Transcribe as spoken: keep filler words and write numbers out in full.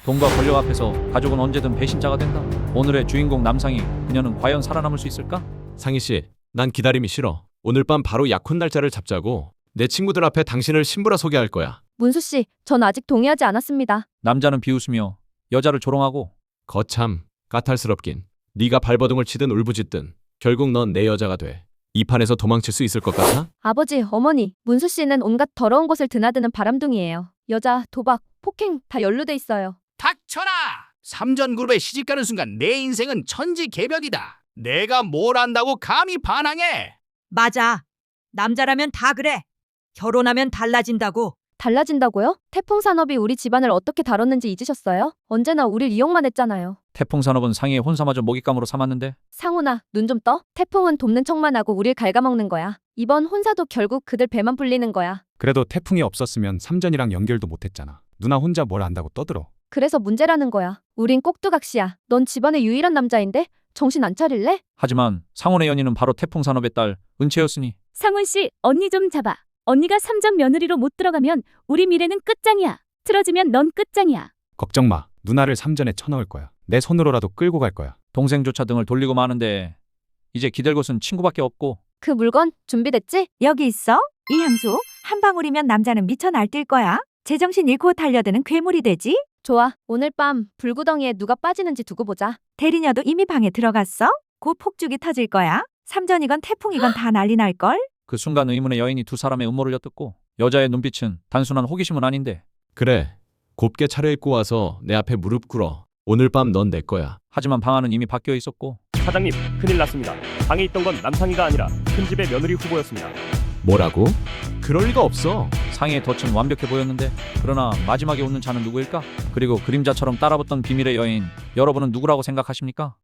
돈과 권력 앞에서 가족은 언제든 배신자가 된다. 오늘의 주인공 남상희, 그녀는 과연 살아남을 수 있을까? 상희 씨, 난 기다림이 싫어. 오늘 밤 바로 약혼 날짜를 잡자고. 내 친구들 앞에 당신을 신부라 소개할 거야. 문수 씨, 전 아직 동의하지 않았습니다. 남자는 비웃으며 여자를 조롱하고 거참 까탈스럽긴. 네가 발버둥을 치든 울부짖든 결국 넌 내 여자가 돼. 이 판에서 도망칠 수 있을 것 같아? 아버지, 어머니, 문수 씨는 온갖 더러운 곳을 드나드는 바람둥이에요. 여자, 도박, 폭행 다 연루돼 있어요. 닥쳐라! 삼전그룹에 시집가는 순간 내 인생은 천지개벽이다. 내가 뭘 안다고 감히 반항해? 맞아. 남자라면 다 그래. 결혼하면 달라진다고. 달라진다고요? 태풍 산업이 우리 집안을 어떻게 다뤘는지 잊으셨어요? 언제나 우릴 이용만 했잖아요. 태풍 산업은 상희의 혼사마저 먹잇감으로 삼았는데 상훈아, 눈 좀 떠. 태풍은 돕는 척만 하고 우릴 갉아먹는 거야. 이번 혼사도 결국 그들 배만 불리는 거야. 그래도 태풍이 없었으면 삼전이랑 연결도 못했잖아. 누나 혼자 뭘 안다고 떠들어. 그래서 문제라는 거야. 우린 꼭두각시야. 넌 집안의 유일한 남자인데 정신 안 차릴래? 하지만 상훈의 연인은 바로 태풍 산업의 딸 은채였으니 상훈 씨, 언니 좀 잡아. 언니가 삼전 며느리로 못 들어가면 우리 미래는 끝장이야. 틀어지면 넌 끝장이야. 걱정 마. 누나를 삼전에 쳐넣을 거야. 내 손으로라도 끌고 갈 거야. 동생조차 등을 돌리고 마는데 이제 기댈 곳은 친구밖에 없고 그 물건 준비됐지? 여기 있어. 이 향수 한 방울이면 남자는 미쳐 날뛸 거야. 제정신 잃고 달려드는 괴물이 되지. 좋아. 오늘 밤 불구덩이에 누가 빠지는지 두고 보자. 대리녀도 이미 방에 들어갔어. 곧 폭죽이 터질 거야. 삼전이건 태풍이건 다 난리 날걸. 그 순간 의문의 여인이 두 사람의 음모를 엿듣고 여자의 눈빛은 단순한 호기심은 아닌데 그래. 곱게 차려입고 와서 내 앞에 무릎 꿇어. 오늘 밤 넌 내 거야. 하지만 방 안은 이미 바뀌어 있었고 사장님, 큰일 났습니다. 방에 있던 건 남상희가 아니라 큰 집의 며느리 후보였습니다. 뭐라고? 그럴 리가 없어. 상희의 덫은 완벽해 보였는데 그러나 마지막에 웃는 자는 누구일까? 그리고 그림자처럼 따라붙던 비밀의 여인, 여러분은 누구라고 생각하십니까?